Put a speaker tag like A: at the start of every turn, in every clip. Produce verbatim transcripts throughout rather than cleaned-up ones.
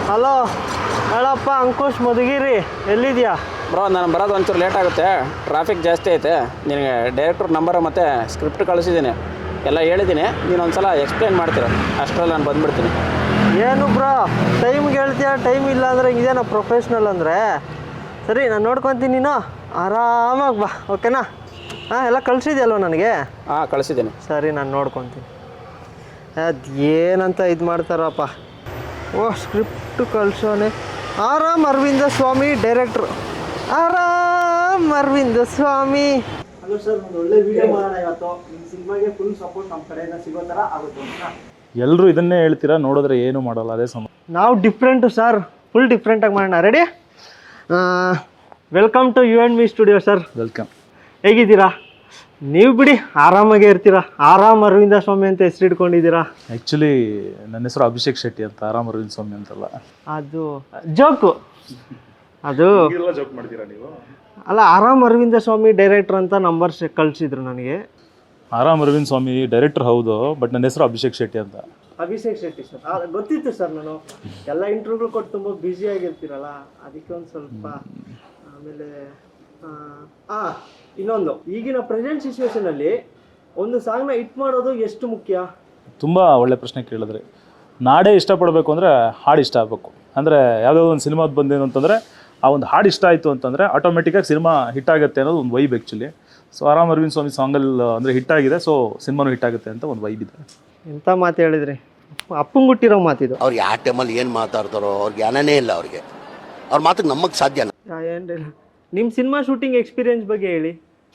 A: Hello ಹೇಳಪ್ಪ ಅಂಕುಶ್ ಮಧುಗಿರಿ, ಎಲ್ಲಿದ್ಯಾ?
B: Bro ನಾನು ಬರೋದು ಒಂಚೂರು ಲೇಟ್ ಆಗುತ್ತೆ, ಟ್ರಾಫಿಕ್ ಜಾಸ್ತಿ ಐತೆ. ನಿನಗೆ ಡೈರೆಕ್ಟ್ರ್ ನಂಬರು ಮತ್ತು ಸ್ಕ್ರಿಪ್ಟ್ ಕಳಿಸಿದ್ದೀನಿ, ಎಲ್ಲ ಹೇಳಿದ್ದೀನಿ. ನೀನು ಒಂದು ಸಲ ಎಕ್ಸ್ಪ್ಲೇನ್ ಮಾಡ್ತೀರ, ಅಷ್ಟರಲ್ಲಿ ನಾನು ಬಂದುಬಿಡ್ತೀನಿ.
A: ಏನು ಬ್ರೋ ಟೈಮ್ಗೆ ಹೇಳ್ತೀಯ, ಟೈಮ್ ಇಲ್ಲ ಅಂದರೆ ಇದೇನೋ ಪ್ರೊಫೆಷ್ನಲ್ ಅಂದರೆ? ಸರಿ ನಾನು ನೋಡ್ಕೊತೀನಿ, ನೀನು ಆರಾಮಾಗಿ ಬಾ, ಓಕೆನಾ? ಹಾಂ ಎಲ್ಲ ಕಳಿಸಿದ್ಯಲ್ವ ನನಗೆ?
B: ಹಾಂ ಕಳಿಸಿದ್ದೀನಿ.
A: ಸರಿ ನಾನು ನೋಡ್ಕೊತೀನಿ. ಅದು ಏನಂತ ಇದು ಮಾಡ್ತಾರಪ್ಪ. ಓ ಸ್ಕ್ರಿಪ್ಟ್ ಕಳ್ಸೋನೆ. ಆರಾಮ್ ಅರವಿಂದ ಸ್ವಾಮಿ ಡೈರೆಕ್ಟ್ರು, ಆರಾಮ್ ಅರವಿಂದ ಸ್ವಾಮಿ. ಹಲೋ ಸರ್, ಒಂದು ಒಳ್ಳೆ ವಿಡಿಯೋ ಮಾಡೋಣ ಇವತ್ತು. ನಿಮ್ಮ ಸಿನಿಮಾಗೆ ಫುಲ್ ಸಪೋರ್ಟ್ ನಮ್ಮ ಕಡೆಯಿಂದ ಸಿಗೋ ಥರ ಆಗುತ್ತೆ.
C: ಎಲ್ಲರೂ ಇದನ್ನೇ ಹೇಳ್ತೀರಾ, ನೋಡಿದ್ರೆ ಏನು ಮಾಡಲ್ಲ, ಅದೇ ಸಮ.
A: ನಾವು ಡಿಫ್ರೆಂಟು ಸರ್, ಫುಲ್ ಡಿಫ್ರೆಂಟಾಗಿ ಮಾಡೋಣ. Ready? Welcome to you and me studio sir.
C: Welcome.
A: ಹೇಗಿದ್ದೀರಾ? ನೀವು ಬಿಡಿ ಆರಾಮಾಗೇ ಇರ್ತೀರಾ, ಆರಾಮ್ ಅರವಿಂದ ಸ್ವಾಮಿ ಅಂತ ಹೆಸರು ಇಟ್ಕೊಂಡಿದ್ದೀರಾ.
C: ಆ್ಯಕ್ಚುಲಿ ನನ್ನ ಹೆಸರು ಅಭಿಷೇಕ್ ಶೆಟ್ಟಿ ಅಂತ, ಆರಾಮ್ ಅರವಿಂದ್ ಸ್ವಾಮಿ ಅಂತಲ್ಲ.
A: ಅದು ಜೋಕು, ಅದು
C: ಜೋಕ್ ಮಾಡ್ತೀರಾ ನೀವು?
A: ಅಲ್ಲ, ಆರಾಮ್ ಅರವಿಂದ ಸ್ವಾಮಿ ಡೈರೆಕ್ಟ್ರ್ ಅಂತ ನಂಬರ್ ಕಳಿಸಿದ್ರು ನನಗೆ.
C: ಆರಾಮ್ ಅರವಿಂದ್ ಸ್ವಾಮಿ ಡೈರೆಕ್ಟರ್ ಹೌದು, ಬಟ್ ನನ್ನ ಹೆಸರು ಅಭಿಷೇಕ್ ಶೆಟ್ಟಿ ಅಂತ.
A: ಅಭಿಷೇಕ್ ಶೆಟ್ಟಿ ಸರ್, ಗೊತ್ತಿತ್ತು ಸರ್. ನಾನು ಎಲ್ಲ ಇಂಟರ್ವ್ಯೂಗಳು ಕೊಟ್ಟು ತುಂಬ ಬ್ಯುಸಿಯಾಗಿರ್ತೀರಲ್ಲ, ಅದಕ್ಕೆ ಒಂದು ಸ್ವಲ್ಪ. ಆಮೇಲೆ ಹಾಂ ಇನ್ನೊಂದು, ಈಗಿನ ಪ್ರೆಸೆಂಟ್ ಸಿಚುವೇಶನಲ್ಲಿ ಒಂದು ಸಾಂಗ್ನ ಹಿಟ್ ಮಾಡೋದು ಎಷ್ಟು ಮುಖ್ಯ?
C: ತುಂಬ ಒಳ್ಳೆ ಪ್ರಶ್ನೆ ಕೇಳಿದ್ರಿ. ನಾಡೇ ಇಷ್ಟಪಡಬೇಕು ಅಂದರೆ ಹಾಡು ಇಷ್ಟ ಆಗಬೇಕು. ಅಂದರೆ ಯಾವುದೋ ಒಂದು ಸಿನಿಮಾದ ಬಂದೇನು ಅಂತಂದರೆ ಆ ಒಂದು ಹಾಡು ಇಷ್ಟ ಆಯಿತು ಅಂತಂದರೆ ಆಟೋಮೆಟಿಕ್ಕಾಗಿ ಸಿನಿಮಾ ಹಿಟ್ ಆಗುತ್ತೆ ಅನ್ನೋದು ಒಂದು ವೈಬ್ ಆ್ಯಕ್ಚುಲಿ. ಸೊ ಆರಾಮ್ ಅರವಿಂದ್ ಸ್ವಾಮಿ ಸಾಂಗಲ್ಲಿ ಅಂದರೆ ಹಿಟ್ ಆಗಿದೆ, ಸೊ ಸಿನಿಮಾನು ಹಿಟ್ ಆಗುತ್ತೆ ಅಂತ ಒಂದು ವೈಬ್ ಇದೆ.
A: ಎಂಥ ಮಾತು ಹೇಳಿದ್ರಿ, ಅಪ್ಪಂಗುಟ್ಟಿರೋ ಮಾತಿದು.
D: ಅವ್ರು ಯಾವ ಟೈಮಲ್ಲಿ ಏನು ಮಾತಾಡ್ತಾರೋ ಅವ್ರಿಗೆ ಜ್ಞಾನನೇ ಇಲ್ಲ. ಅವ್ರಿಗೆ ಅವ್ರ ಮಾತಿಗೆ ನಮಗೆ ಸಾಧ್ಯ
A: ಏನಿಲ್ಲ. ನಿಮ್ಮ ಸಿನಿಮಾ ಶೂಟಿಂಗ್ ಎಕ್ಸ್ಪೀರಿಯನ್ಸ್ ಬಗ್ಗೆ ಹೇಳಿ.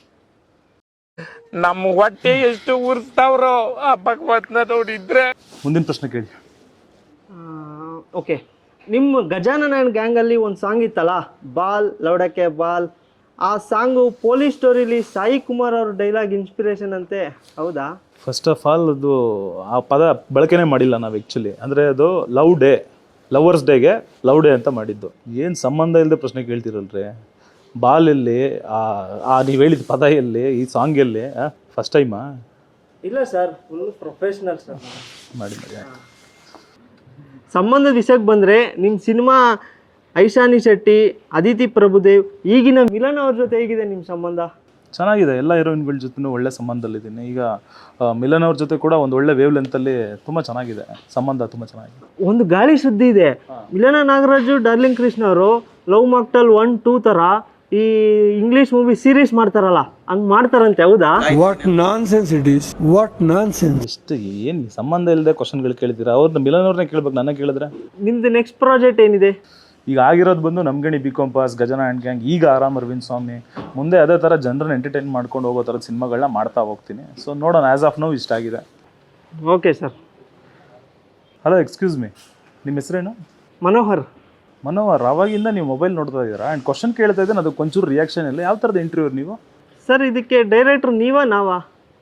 E: ನಮ್ಮ ಹೊಟ್ಟೆ ಎಷ್ಟು ಉರ್ಸ್ತಾವ್ರೋ ಆ ಭಗವತ್ನ ನೋಡಿದ್ರೆ.
C: ಮುಂದಿನ ಪ್ರಶ್ನೆ ಕೇಳಿ.
A: ಓಕೆ, ನಿಮ್ಮ ಗಜಾನನ ಗ್ಯಾಂಗಲ್ಲಿ ಒಂದು ಸಾಂಗ್ ಇತ್ತಲ್ಲ, ಬಾಲ್ ಲೌಡಕ್ಕೆ ಬಾಲ್. ಆ ಸಾಂಗು ಪೊಲೀಸ್ ಸ್ಟೋರಿಲಿ ಸಾಯಿ ಕುಮಾರ್ ಅವ್ರ ಡೈಲಾಗ್ ಇನ್ಸ್ಪಿರೇಷನ್ ಅಂತೆ, ಹೌದಾ?
C: ಫಸ್ಟ್ ಆಫ್ ಆಲ್ ಅದು ಆ ಪದ ಬಳಕೆನೇ ಮಾಡಿಲ್ಲ ನಾವು ಆ್ಯಕ್ಚುಲಿ. ಅಂದರೆ ಅದು ಲವ್ ಡೇ, ಲವರ್ಸ್ ಡೇಗೆ ಲವ್ ಡೇ ಅಂತ ಮಾಡಿದ್ದು. ಏನು ಸಂಬಂಧ ಇಲ್ಲದೆ ಪ್ರಶ್ನೆ ಕೇಳ್ತಿರಲ್ರಿ. ಬಾಲಲ್ಲಿ ಆ ನೀವು ಹೇಳಿದ ಪದ ಎಲ್ಲಿ, ಈ ಸಾಂಗ್ ಎಲ್ಲಿ? ಫಸ್ಟ್ ಟೈಮಾ?
A: ಇಲ್ಲ ಸರ್, ಫುಲ್ ಪ್ರೊಫೆಷ್ನಲ್ ಸರ್.
C: ಮಾಡಿ ಮಾಡಿ.
A: ಸಂಬಂಧದ ವಿಷಯಕ್ಕೆ ಬಂದರೆ, ನಿಮ್ಮ ಸಿನಿಮಾ ಐಶಾನಿ ಶೆಟ್ಟಿ, ಅದಿತಿ ಪ್ರಭುದೇವ್, ಈಗಿನ ಮಿಲನ್ ಅವ್ರ ಜೊತೆ ಹೇಗಿದೆ ನಿಮ್ಮ ಸಂಬಂಧ?
C: ಚೆನ್ನಾಗಿದೆ, ಎಲ್ಲ ಹೀರೋಯಿನ್ಗಳ ಜೊತೆನೂ ಒಳ್ಳೆ ಸಂಬಂಧದಲ್ಲಿದ್ದೀನಿ. ಈಗ ಮಿಲನ್ ಅವ್ರ ಜೊತೆ ಕೂಡ ಒಂದು ಒಳ್ಳೆ ವೇವ್ ಲೆಂತಲ್ಲಿ ತುಂಬ ಚೆನ್ನಾಗಿದೆ ಸಂಬಂಧ, ತುಂಬ ಚೆನ್ನಾಗಿದೆ.
A: ಒಂದು ಗಾಳಿ ಸುದ್ದಿ ಇದೆ, ಮಿಲನ ನಾಗರಾಜು ಡಾರ್ಲಿಂಗ್ ಕೃಷ್ಣ ಅವರು ಲವ್ ಮಾಕ್ಟಲ್ ಒನ್ ಟೂ ಥರ ಈ ಇಂಗ್ಲೀಷ್ ಮೂವಿ ಸೀರೀಸ್ ಮಾಡ್ತಾರಲ್ಲ, ಹಂಗೆ ಮಾಡ್ತಾರಂತೆ, ಹೌದಾ?
F: What nonsense it is, what nonsense.
C: ಎಷ್ಟು ಏನು ಸಂಬಂಧ ಇಲ್ಲದೆ ಕ್ವಶನ್ಗಳು ಕೇಳ್ತೀರಾ? ಅವ್ರನ್ನ ಮಿಲನ್ ಅವ್ರನ್ನೇ ಕೇಳ್ಬೇಕು, ನನ್ನ ಕೇಳಿದ್ರೆ.
A: ನಿಮ್ದು ನೆಕ್ಸ್ಟ್ ಪ್ರಾಜೆಕ್ಟ್ ಏನಿದೆ?
C: ಈಗ ಆಗಿರೋದು ಬಂದು ನಮ್ಗಣಿ ಬಿ ಕಾಂಪಾಸ್, ಗಜನ ಆ್ಯಂಡ್ ಗ್ಯಾಂಗ್, ಈಗ ಆರಾಮ್ ಅರವಿಂದ್ ಸ್ವಾಮಿ. ಮುಂದೆ ಅದೇ ಥರ ಜನರನ್ನ ಎಂಟರ್ಟೈನ್ ಮಾಡ್ಕೊಂಡು ಹೋಗೋ ಥರದ ಸಿನಿಮಾಗಳನ್ನ ಮಾಡ್ತಾ ಹೋಗ್ತೀನಿ. ಸೊ ನೋಡೋಣ, ಆ್ಯಸ್ ಆಫ್ ನೌ ಇಷ್ಟ ಆಗಿದೆ.
A: Okay sir.
C: Hello, excuse me, ನಿಮ್ಮ ಹೆಸರೇನು?
A: ಮನೋಹರ್.
C: ಮನೋಹರ್, ಅವಾಗಿಂದ ನೀವು ಮೊಬೈಲ್ ನೋಡ್ತಾ ಇದ್ದೀರಾ ಆ್ಯಂಡ್ ಕ್ವಶನ್ ಕೇಳ್ತಾ ಇದ್ದೀನಿ, ಅದಕ್ಕೆ ಒಂಚೂರು ರಿಯಾಕ್ಷನ್ ಇಲ್ಲ. ಯಾವ ಥರದ ಇಂಟರ್ವ್ಯೂ ನೀವು?
A: ಸರ್, ಇದಕ್ಕೆ ಡೈರೆಕ್ಟ್ರು ನೀವಾ ನಾವಾ?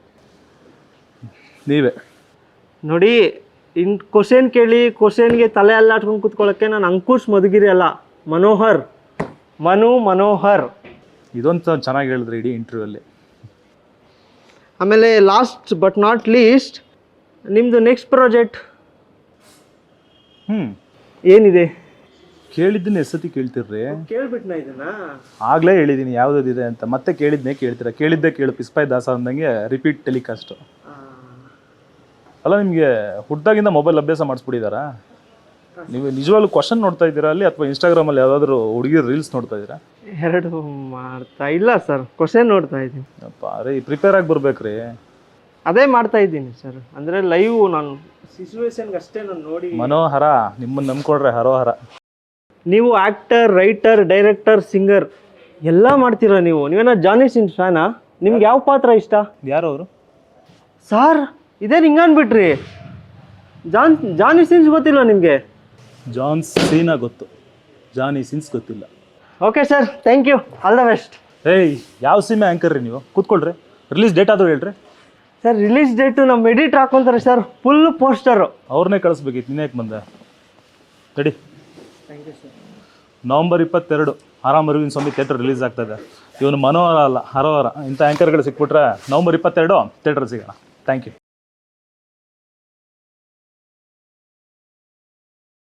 C: ನೀವೇ
A: ನೋಡಿ. ಇನ್ ಕ್ವಶನ್ ಕೇಳಿ ಕ್ವಶನ್ಗೆ ತಲೆ ಅಲ್ಲಾಟ್ಕೊಂಡು ಕೂತ್ಕೊಳ್ಳೋಕ್ಕೆ ನಾನು ಅಂಕುಶ್ ಮಧುಗಿರಿ ಅಲ್ಲ, ಮನೋಹರ್, ಮನು ಮನೋಹರ್.
C: ಇದೊಂದು ಚೆನ್ನಾಗಿ ಹೇಳಿದ್ರಿ ಇಡೀ ಇಂಟರ್ವ್ಯೂಲ್ಲಿ.
A: ಆಮೇಲೆ ಲಾಸ್ಟ್ ಬಟ್ ನಾಟ್ ಲೀಸ್ಟ್, ನಿಮ್ಮದು ನೆಕ್ಸ್ಟ್ ಪ್ರಾಜೆಕ್ಟ್
C: ಹ್ಞೂ
A: ಏನಿದೆ?
C: ಕೇಳಿದ್ದೀನಿ, ಎಷ್ಟೊತ್ತಿ ಕೇಳ್ತಿರ್ರಿ?
A: ಕೇಳ್ಬಿಟ್ನಾ ಇದನ್ನ?
C: ಆಗಲೇ ಹೇಳಿದ್ದೀನಿ ಯಾವುದಿದೆ ಅಂತ, ಮತ್ತೆ ಕೇಳಿದ್ನೇ ಕೇಳ್ತೀರಾ. ಕೇಳಿದ್ದೆ ಕೇಳು, ಪಿಸ್ಪಾಯ್ ದಾಸ ಅಂದಂಗೆ ರಿಪೀಟ್ ಟೆಲಿಕಾಸ್ಟು. ಅಲ್ಲ, ನಿಮಗೆ ಹುಟ್ಟಾಗಿಂದ ಮೊಬೈಲ್ ಅಭ್ಯಾಸ ಮಾಡಿಸ್ಬಿಟ್ಟಿದ್ದಾರಾ? ನೀವು ನಿಜವಾಗ್ಲೂ ಕ್ವಶನ್ ನೋಡ್ತಾ ಇದ್ದೀರಾ ಅಲ್ಲಿ, ಅಥವಾ ಇನ್ಸ್ಟಾಗ್ರಾಮಲ್ಲಿ ಯಾವುದಾದ್ರೂ ಹುಡುಗಿರ ರೀಲ್ಸ್ ನೋಡ್ತಾ ಇದ್ದೀರಾ?
A: ಎರಡು ಮಾಡ್ತಾ ಇಲ್ಲ ಸರ್, ಕ್ವಶನ್ ನೋಡ್ತಾ ಇದ್ದೀನಿ.
C: ಅಪ್ಪ ರೀ, ಪ್ರಿಪೇರ್ ಆಗಿ ಬರ್ಬೇಕ್ರಿ.
A: ಅದೇ ಮಾಡ್ತಾ ಇದ್ದೀನಿ ಸರ್, ಅಂದರೆ ಲೈವ್ ನಾನು ಸಿಚುವೇಶನ್ಗೆ ಅಷ್ಟೇ ನಾನು ನೋಡಿ.
C: ಮನೋಹರ, ನಿಮ್ಮನ್ನು ನಂಬ್ಕೊಡ್ರೆ ಹರೋಹರ.
A: ನೀವು ಆ್ಯಕ್ಟರ್, ರೈಟರ್, ಡೈರೆಕ್ಟರ್, ಸಿಂಗರ್ ಎಲ್ಲ ಮಾಡ್ತೀರಾ ನೀವು. ನೀವೇನೋ ಜಾನಿ ಸಿನ್ಸ್ ಫ್ಯಾನಾ? ನಿಮ್ಗೆ ಯಾವ ಪಾತ್ರ ಇಷ್ಟ?
C: ಯಾರು ಅವರು?
A: ಸಾರ್ ಇದೇನು ಹಿಂಗೆ ಅಂದ್ಬಿಟ್ರಿ? ಜಾನ್ ಜಾನಿ ಸಿನ್ಸ್ ಗೊತ್ತಿಲ್ಲ ನಿಮಗೆ?
C: ಜಾನ್ ಸೀನಾ ಗೊತ್ತು, ಜಾನಿ ಸಿನ್ಸ್ ಗೊತ್ತಿಲ್ಲ.
A: Okay sir, thank you, all the best.
C: ಏಯ್, ಯಾವ ಸಿನಿಮಾ ಆ್ಯಂಕರ್ ರೀ ನೀವು? ಕೂತ್ಕೊಳ್ರಿ, ರಿಲೀಸ್ ಡೇಟ್ ಆದರೂ ಹೇಳ್ರಿ.
A: ಸರ್, ರಿಲೀಸ್ ಡೇಟು ನಮ್ಮ ಎಡಿಟ್ ಹಾಕೊಂತಾರೆ ಸರ್, ಫುಲ್ ಪೋಸ್ಟರು.
C: ಅವ್ರನ್ನೇ ಕಳಿಸ್ಬೇಕಿತ್ತು, ನೀನು ಯಾಕೆ ಬಂದೆ? ತಡಿ.
A: Thank you sir.
C: ನವಂಬರ್ ಇಪ್ಪತ್ತೆರಡು ಆರಾಮ್ ಅರವಿಂದ್ ಸ್ವಾಮಿ ಥಿಯೇಟರ್ ರಿಲೀಸ್ ಆಗ್ತದೆ. ಇವನು ಮನೋಹರ ಅಲ್ಲ, ಹರೋಹರ. ಇಂಥ ಆ್ಯಂಕರ್ಗಳು ಸಿಕ್ಬಿಟ್ರೆ ನವಂಬರ್ ಇಪ್ಪತ್ತೆರಡು ಥಿಯೇಟರ್ ಸಿಗೋಣ. Thank you.